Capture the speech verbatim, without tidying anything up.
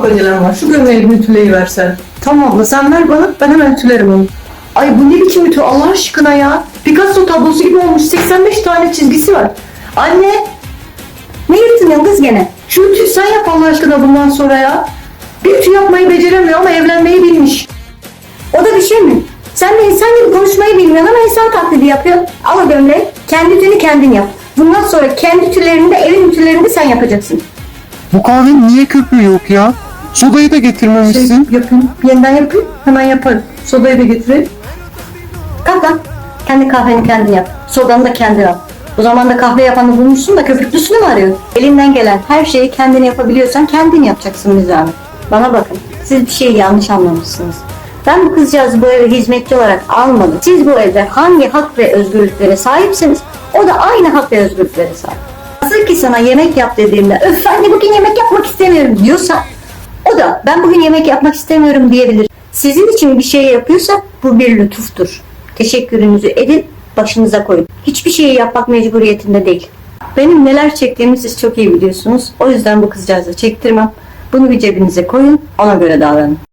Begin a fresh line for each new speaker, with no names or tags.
çok acelem var. Şu gömleği bir ütüleyiversen. Tamam abla sen ver bana, ben hemen ütülerim onu. Ay bu ne biçim ütü Allah aşkına ya. Picasso tablosu gibi olmuş, seksen beş tane çizgisi var. Anne!
Ne yırtınıyorsun kız gene?
Şu ütüyü sen yap Allah aşkına bundan sonra ya. Bir ütü yapmayı beceremiyor ama evlenmeyi bilmiş.
O da bir şey mi? Sen de insan gibi konuşmayı bilmiyorsun ama insan taklidi yapıyorsun. Al o gömleği, kendi ütünü kendin yap. Bundan sonra kendi ütülerini de evin ütülerini de sen yapacaksın.
Bu kahvenin niye köpüğü yok ya? Sodayı da
Şey
getirmemişsin.
yapayım, yeniden yapayım, hemen yaparım. Sodayı da getireyim.
Kalk lan, kendi kahveni kendin yap. Sodanı da kendin al. O zaman da kahve yapanı bulmuşsun da köpüklüsünü mü arıyorsun? Elinden gelen her şeyi kendin yapabiliyorsan kendin yapacaksın bir zahmet. Bana bakın, siz bir şeyi yanlış anlamışsınız. Ben bu kızcağızı bu eve hizmetçi olarak almadım. Siz bu evde hangi hak ve özgürlüklere sahipseniz o da aynı hak ve özgürlüklere sahip. Nasıl ki sana yemek yap dediğimde öf anne bugün yemek yapmak istemiyorum diyorsa o da ben bugün yemek yapmak istemiyorum diyebilir. Sizin için bir şey yapıyorsa bu bir lütuftur. Teşekkürünüzü edin, başınıza koyun. Hiçbir şeyi yapmak mecburiyetinde değil. Benim neler çektiğimi siz çok iyi biliyorsunuz. O yüzden bu kızcağızı çektirmem. Bunu bir cebinize koyun, ona göre davranın.